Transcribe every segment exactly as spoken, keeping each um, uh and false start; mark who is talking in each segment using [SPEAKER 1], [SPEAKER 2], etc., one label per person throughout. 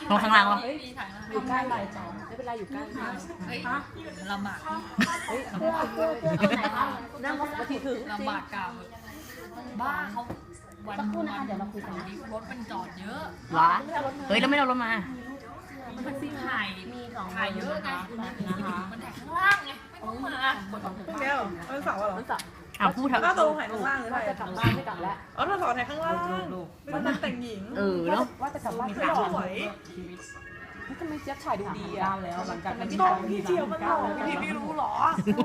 [SPEAKER 1] มองข้างล่างวะ
[SPEAKER 2] เฮ้ยถ่ายมา
[SPEAKER 3] อยู่ใกล้ไรต่อไม่เป็นไรอยู่ใกล้มาก
[SPEAKER 2] เฮ้ยลำบาก
[SPEAKER 3] เฮ้ยเพื่อเพื่อเพื่อเอาไหนคะนั่งรถมาทีถึง
[SPEAKER 2] ลำบากกาวบ้าเขาวัน
[SPEAKER 3] สักครู่นะคะเดี๋ยวเราคุยกันนะ
[SPEAKER 2] รถมันจอดเยอะ
[SPEAKER 1] หรอเฮ้ยแล้วไม่เอารถมา
[SPEAKER 2] มันซีถ่าย
[SPEAKER 3] มีสอง
[SPEAKER 2] ถ่ายเยอะไง
[SPEAKER 3] นะคะ
[SPEAKER 2] มันถ่ายข้างล่างไงไม่ต้องมา
[SPEAKER 3] คน
[SPEAKER 4] พรุ่งนี้เหรอวันเสาร์เหรอ
[SPEAKER 3] รู้จัก
[SPEAKER 1] อ่ะพูดเถอะ
[SPEAKER 4] ก็ตรงถ่ายข้างล่างหรือ
[SPEAKER 3] ว่า
[SPEAKER 4] ถ่าย
[SPEAKER 3] จะกลับบ้านไม่กลับแล้ว
[SPEAKER 4] อ๋อเราสอนถ่ายข้างล่างไม่ต้องแต่งหญิง
[SPEAKER 1] เออเนาะ
[SPEAKER 3] ว่าจะกลับบ้าน
[SPEAKER 4] ไม่สวย
[SPEAKER 3] ทำไมเจี๊ยบถ่ายดูดีอ่ะแล้วหลังจากนั้น
[SPEAKER 4] กล้องพี่เจียวมันหล่อพี่ไม่รู้หรอ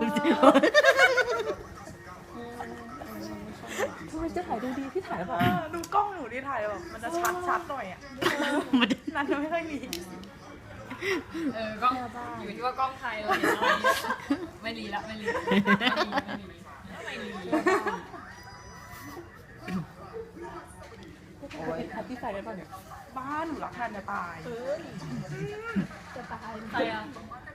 [SPEAKER 3] ทำไมเจี๊ยบถ่ายดูดีพี่ถ่ายแล้วแบบ
[SPEAKER 4] เออดูกล้องหนูดิถ่ายแบบมันจะชัดชัดหน่อยอ่ะ
[SPEAKER 1] มันจะ
[SPEAKER 4] นั่นจะไม่ค่อยมี
[SPEAKER 2] เออกล้องอยู่ที่ว่ากล้องไทยเราเห็นอะไรไม่รีละไม่รีไม่รีไม่รีไม่รี
[SPEAKER 3] โอ้ยแฮปปี้ไฟได้ป่ะเนี่ย
[SPEAKER 4] บ้านหนูรักแทนจะตาย
[SPEAKER 3] จะตาย
[SPEAKER 2] ใครอ่ะ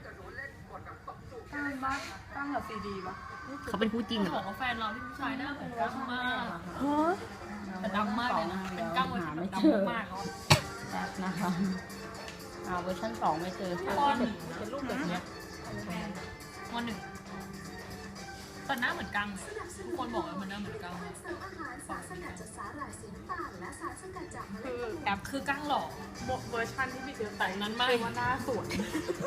[SPEAKER 4] ตั้งบ้านตั้งกับซีดีปะ
[SPEAKER 1] เขาเป็นคู่จริงเหร
[SPEAKER 2] บอ
[SPEAKER 1] อก
[SPEAKER 2] ว่าแฟนเราที่ผู้ชายหน้าเหมือนกังมาก
[SPEAKER 3] ฮะ
[SPEAKER 2] แต่ดำมากเลยนะเป็นก้างมันดำมากเขา
[SPEAKER 3] แป๊บนะคะอ่าเวอร์ชันสองไม่เจอค่ะเป็นรูปแบบเนี้ย
[SPEAKER 2] วันหนึ่งแต่หน้าเหมือนกังทุกคนบอกว่ามันหน้าเหมือนกัง
[SPEAKER 4] คือ
[SPEAKER 2] แอปคือกังหลอก
[SPEAKER 4] เวอร์ชันที่พี่เจอแต่ง
[SPEAKER 2] นั้นไม่
[SPEAKER 4] ว่าหน้าสวย